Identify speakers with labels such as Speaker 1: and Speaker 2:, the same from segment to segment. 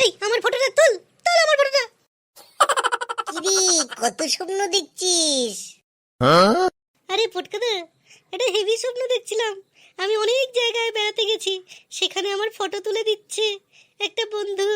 Speaker 1: এই আমার ফটোটা তুল, তুল আমার ফটোটা।
Speaker 2: কিরে, কত স্বপ্ন দেখছিস?
Speaker 1: আরে ফটকাদা, এটা হেভি স্বপ্ন দেখছিলাম। আমি অনেক জায়গায় বেড়াতে গেছি, সেখানে আমার ফটো তুলে দিচ্ছে একটা বন্ধু।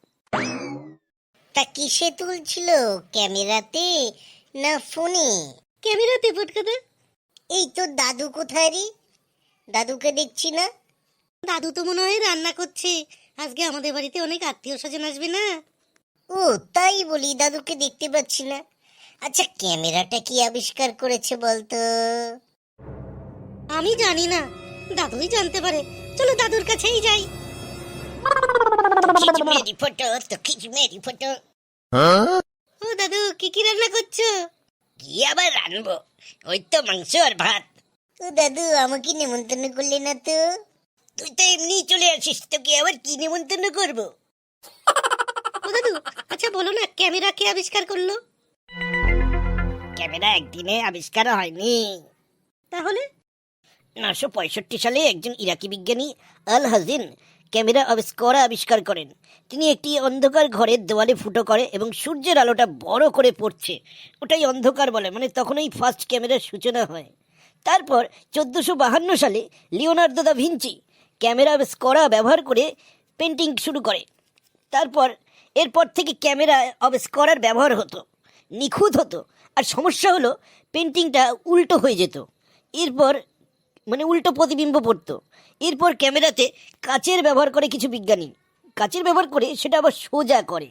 Speaker 2: তা কিসে তুলছিল, ক্যামেরাতে না ফোনে?
Speaker 1: ক্যামেরাতে ফটকাদা।
Speaker 2: এই তোর দাদু কোথায় রে? দাদুকে দেখছি না।
Speaker 1: দাদু তো মনে হয় রান্না করছে, আজকে আমাদের বাড়িতে অনেক আত্মীয় স্বজন আসবে না।
Speaker 2: ও তাই বলি, দাদুকে দেখতে পাচ্ছি না। আচ্ছা, ক্যামেরাটা কি আবিষ্কার করেছে বলতো?
Speaker 1: আমি জানি না, দাদুই জানতে পারে। চলো দাদুর কাছেই যাই।
Speaker 2: মেরি ফটো তো খিচ মেরি ফটো।
Speaker 1: ও দাদু, কি কি রান্না করছো?
Speaker 2: কি আবার রানবো, ওই তো মাংস আর ভাত। ও দাদু, আমাকে নেমন্তন্ন করলে না তো? তুই তো এমনি চলে আসিস, তোকে আবার কি নেমন্তন্ন করবো?
Speaker 1: ও দাদু, আচ্ছা বলো না, ক্যামেরা কে আবিষ্কার করলো?
Speaker 2: ক্যামেরা একদিনে আবিষ্কার হয়নি।
Speaker 1: তাহলে?
Speaker 2: 965 সালে একজন ইরাকি বিজ্ঞানী আল হাজিন ক্যামেরা আবিষ্কার করেন। তিনি একটি অন্ধকার ঘরের দেওয়ালে ফুটো করে এবং সূর্যের আলোটা বড় করে পড়ছে, ওটাই অন্ধকার বলে, মানে তখনই ফার্স্ট ক্যামেরার সূচনা হয়। তারপর 1452 সালে লিওনার্দো দা ভিঞ্চি ক্যামেরা ব্যবহার করে পেন্টিং শুরু করে। এরপর থেকে ক্যামেরা করার ব্যবহার হতো, নিখুঁত হতো, আর সমস্যা হলো পেন্টিংটা উল্টো হয়ে যেত। এরপর উল্টো প্রতিবিম্ব পড়তো। এরপর ক্যামেরাতে কাচের ব্যবহার করে কিছু বিজ্ঞানী, কাচের ব্যবহার করে সেটা আবার সোজা করে।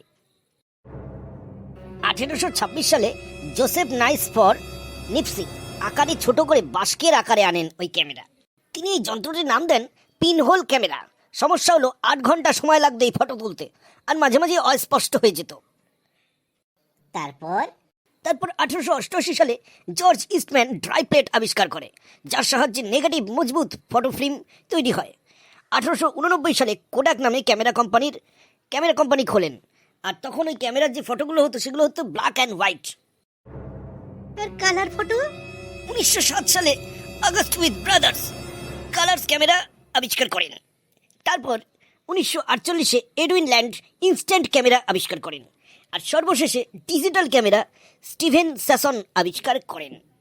Speaker 2: 1826 সালে জোসেফ নাইসফর নিপসি আকারে ছোট করে বাস্কের আকারে আনেন ওই ক্যামেরা। তিনি এই যন্ত্রটির নাম দেন পিনহোল ক্যামেরা। সমস্যা হলো 8 ঘন্টা সময় লাগতো এই ফটো তুলতে, আর মাঝে মাঝে অস্পষ্ট হয়ে যেত। তারপর 1888 সালে জর্জ ইস্টম্যান ড্রাই প্লেট আবিষ্কার করে, যার সাহায্যে নেগেটিভ মজবুত ফটো ফিল্ম তৈরি হয়। 1889 সালে কোডাক নামে ক্যামেরা কোম্পানি খোলেন, আর তখন ওই ক্যামেরার যে ফটোগুলো হতো সেগুলো হতো ব্ল্যাক অ্যান্ড হোয়াইট।
Speaker 1: আর কালার ফটো?
Speaker 2: 1907 সালে August with brothers colours camera আবিষ্কার করেন। তারপর 1948-এ এডউইন ল্যান্ড ইনস্ট্যান্ট ক্যামেরা আবিষ্কার করেন, আর সর্বশেষে ডিজিটাল ক্যামেরা স্টিভেন স্যাসন আবিষ্কার করেন।